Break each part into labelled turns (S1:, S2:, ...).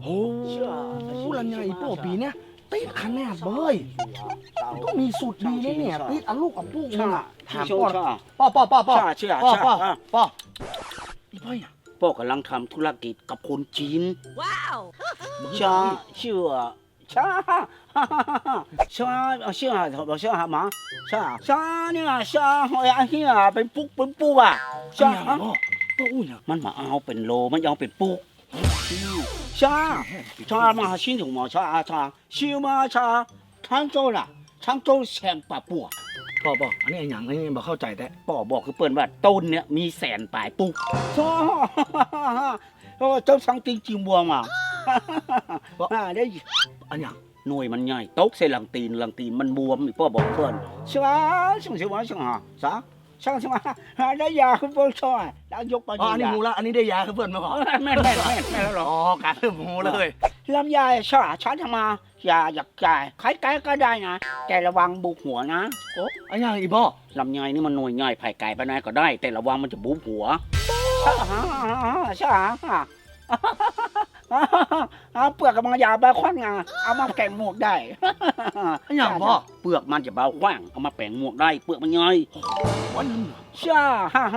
S1: โอ้ลำไยโป้ปีเนี้ยติดคะแนนเบ้ยต้องมีสูตรดีเลยเนี่ยติดเอาลูกเอาปุ๊กมึงอะถามป้อป้ออีพ่อยอ่ะ
S2: พ่อกำลังทำธุรกิจกับคนจีน
S3: ว้าว
S2: ชาชื่อชาชาชื่อบอกชื่อหามาชาเนี่ยชาหอยเฮียเป็นปุ๊กอ่ะ
S1: ชา
S2: ชา
S1: ป้ออุ้ยอ่ะ
S2: มันมาเอาเป็นโลมันเอาเป็นปุ๊กชามาชินถูกมั้ยชาชิวมาชาทั้งโจล่ะทั้งโจแสนป่าปัว
S1: ป้ออันนี้อย่างอันนี้บอกเข้าใจแต่
S2: ป่อบอกคือเปิ้นว่าต้นเนี่ยมีแสนปลายปุ๊กชาเจ้าสังติงจิมบัวมาได้
S1: อันอย่าง
S2: หน่วยมันใหญ่ตกใส่หลังตีนมันบวมอีกพ่อบอกเพื่อนใช่ไหมช่างได้ยาคุณพ่อช่วยแล้วยกไป
S1: อ๋ออันนี้หูละอันนี้ได้ยาคือเพื่อนมาบอก
S2: แม่แล้วหรอ
S1: อ๋อการเริ่มหูเลย
S2: ลำไยช่าฉันทำมาอย่าอยากจ่ายใครไก่ก็ได้นะแต่ระวังบุกหัวนะโอ้
S1: อันอย่างอีพ่อ
S2: ลำไยนี่มันหน่วยใหญ่ไผ่ไก่ไปไหนก็ได้ แต่ระวังมันจะบุกหัวช่าเปลือกกับมันยาใบควันงาเอามาแกงหมวกได้
S1: อันอย่างพ่อ
S2: เปลือกมันจะเบาขว้างเอามาแปลงหมวกได้เปลือกมันย่อย
S1: วันนี้
S2: ช่า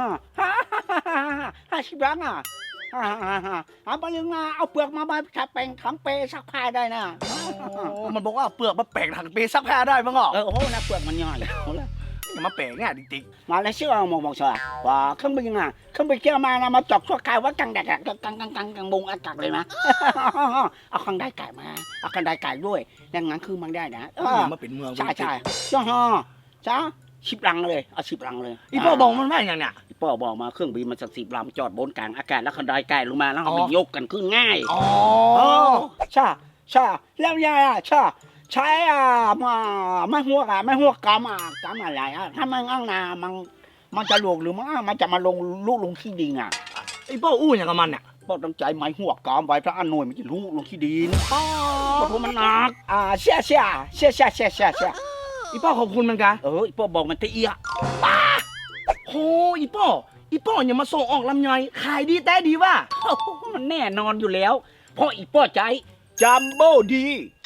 S2: ชิบังอ่ะเอาไปยังไงเอาเปลือกมาแปลงถังเปซักผ้าได้นะ
S1: มันบอกว่าเปลือกมาแปลงถังเปซักผ้าได้มั้งอ่ะ
S2: โอ้โหนะเปลือกมันย่อยเลย
S1: อย่ามาแปลงเนี่ยจริง
S2: มาแล้วเชื่อมองเชื่อว่าเครื่องบินอ่ะเครื่องบินเกี่ยวมานะมาจอกชั่วคราวว่ากังแดดกังบงอากาศเลยนะเอาคังได้ไก่มาเอาคังได้ไก่ด้วยดังนั้นคือมันได้นะ
S1: อย่ามาเป็นเมือง
S2: ใช่จ้าชิบลังเลยเอาชิบลังเลย
S1: อีพ่อบอกมันว่าอย่างเนี่ย
S2: พ่อบอกมาเครื่องบินมันสัก10 ลำจอดบนกลางอากาศแล้วคันไดไก่ลงมาแล้วเอาไปยกกันขึ้นง่าย
S1: อ๋อ
S2: ใช่แล้วยายใช้ไม่หัวกำอะไรถ้ามันอ้างนามันจะลงหรือมันจะมาลงลูกลงขี้ดินอ่ะ
S1: ไอ้พ่ออู้อย่างกับมันเนี่ย
S2: พ่อต้องใจไม้หัวกำไว้พระอันหน่วยมันจะลูกลงขี้ดินเพราะมันหนักเชี่ย
S1: อีพ่อขอบคุณมันกัน
S2: พ่อบอกมันเตี้ย
S1: โอ้อีพ่ออย่ามาส่งออกลำไยขายดีแต่ดีว่ะ
S2: มันแน่นอนอยู่แล้วเพราะอีพ่อใจจัมโบ้ดี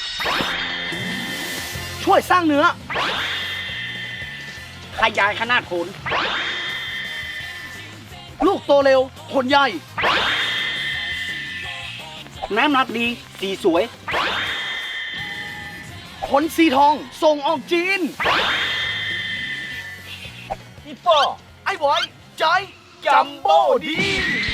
S1: ช่วยสร้างเนื้อ
S2: ขยายขนาดผล
S1: ลูกโตเร็วผลใหญ่
S2: น้ำหนักดีสีสวย
S1: ผลสีทองส่งออกจีนอีพ่อไอ้บอยใจจัมโบ้ดี